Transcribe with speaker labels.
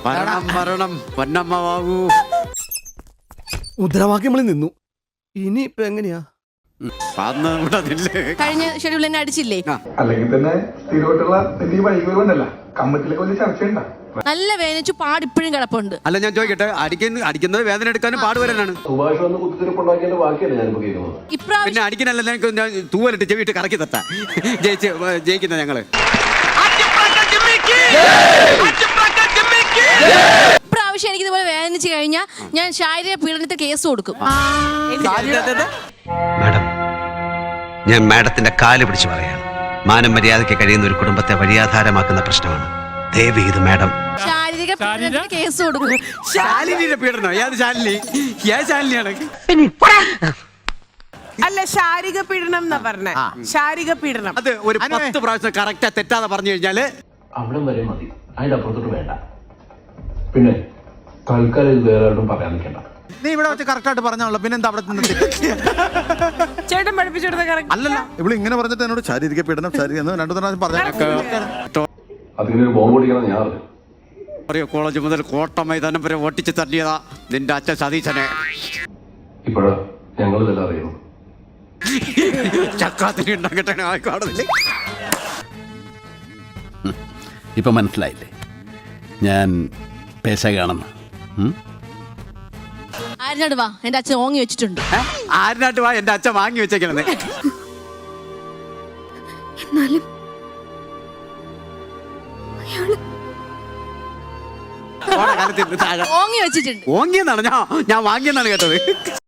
Speaker 1: വരണം വരണം പൊന്നമ്മാവൂ.
Speaker 2: മുദ്രാവാക്യങ്ങളിൽ നിന്നു. ഇനി ഇപ്പൊ എങ്ങനെയാ?
Speaker 3: കഴിഞ്ഞ ഷെഡ്യൂൾ തന്നെ അടിച്ചില്ലേ?
Speaker 4: അല്ലെങ്കിൽ തന്നെ സ്ഥിരമായിട്ടുള്ള വലിയ വഴികളുണ്ടല്ല, കമ്മിറ്റിയിലൊക്കെ വലിയ ചർച്ചയുണ്ടാ.
Speaker 3: നല്ല വേദനിച്ചു പാടിപ്പോഴും കിടപ്പുണ്ട്.
Speaker 1: അല്ല ഞാൻ ചോദിക്കട്ടെ, അടിക്കുന്നത് വേദന എടുക്കാനും പാടുവരാനാണ്.
Speaker 4: സുഭാഷ് വന്ന് കുത്തിരിപ്പുണ്ടാക്കിയതിന്റെ ബാക്കിയല്ല ഞാനിപ്പോ കേൾക്കുന്നത്.
Speaker 3: ഇപ്രാവശ്യം
Speaker 1: പിന്നെ അടിക്കാനല്ല ഞാൻ തൂവലിട്ട് ചെവിട്ട് കറക്കി തട്ടാ ജയിക്കുന്ന ഞങ്ങള്.
Speaker 3: ഇപ്രാവശ്യം എനിക്ക് ഇതുപോലെ വേദനിച്ചു കഴിഞ്ഞാൽ ഞാൻ ശാരീരിക പീഡനത്തിന് കേസ് കൊടുക്കും.
Speaker 5: മാഡം, ഞാൻ മാഡത്തിന്റെ കാല് പിടിച്ച് പറയാണ്. മാനം മര്യാദയ്ക്ക് കഴിയുന്ന ഒരു കുടുംബത്തെ വഴിയാധാരമാക്കുന്ന പ്രശ്നമാണ്. ദയവ് ഇത് മാഡം
Speaker 3: ശാരീരിക പീഡനത്തിന് കേസ് കൊടുക്കും.
Speaker 1: ശാലിനിയുടെ പീഡനം? ഏത് ശാലിനി? ഏത് ശാലിനിയാണ്?
Speaker 6: അല്ല, ശാരീരിക പീഡനം എന്നാ പറഞ്ഞേ. ശാരീരിക പീഡനം
Speaker 1: അത് ഒരു 10 പ്രാവശ്യം കറക്റ്റാ തെറ്റാതെ പറഞ്ഞു കഴിഞ്ഞാല്
Speaker 4: അവിടം വരെ മതി, അതിന്റെ അപ്പുറത്തോട്ട് വേണ്ട. പിന്നെ തൽക്കാലം ഇത് വേറെ ആരോടും പറയാൻ നിൽക്കണ്ട.
Speaker 7: നീ ഇവിടെ വെച്ച് കറക്റ്റ് ആയിട്ട് പറഞ്ഞാണല്ലോ, പിന്നെ എന്താ അവിടെ നിന്ന്
Speaker 6: ചേട്ടൻ പഠിപ്പിച്ചെടുത്ത കറക്റ്റ്
Speaker 7: അല്ലല്ല. ഇവിടെ ഇങ്ങനെ പറഞ്ഞിട്ട് എന്നോട് ശാരീരിക പീഡനം എന്ന് 2 പ്രാവശ്യം പറഞ്ഞു.
Speaker 4: അതിങ്ങനെ ഒരു ബോംബ് പൊടിക്കണം ഞാൻ അറിഞ്ഞു.
Speaker 1: അറിയോ, കോളേജ് മുതൽ കോട്ട മൈതാനം വരെ ഓട്ടിച്ച് തട്ടിയതാ നിന്റെ അച്ഛൻ സതീശനെ.
Speaker 4: ഇപ്പോഴാ ഞങ്ങൾ ഇതെല്ലാം അറിയുന്നു.
Speaker 1: ചക്കാത്തിന് ഉണ്ടാക്കട്ടെ കോടതിയില്.
Speaker 8: ഇപ്പൊ മനസ്സിലായില്ലേ ഞാൻ പേശകാണെന്ന്?
Speaker 3: ആരിനാട് വാ, എന്റെ അച്ഛൻ ഓങ്ങി വെച്ചിട്ടുണ്ട്.
Speaker 1: ആരിനാട്ട് വാ, എന്റെ അച്ഛൻ വാങ്ങി വെച്ചേക്കണേ.
Speaker 9: എന്നാലും
Speaker 3: ഓങ്ങി വെച്ചിട്ടുണ്ട്.
Speaker 1: ഓങ്ങിയെന്നാണ് ഞാൻ വാങ്ങിയെന്നാണ് കേട്ടത്.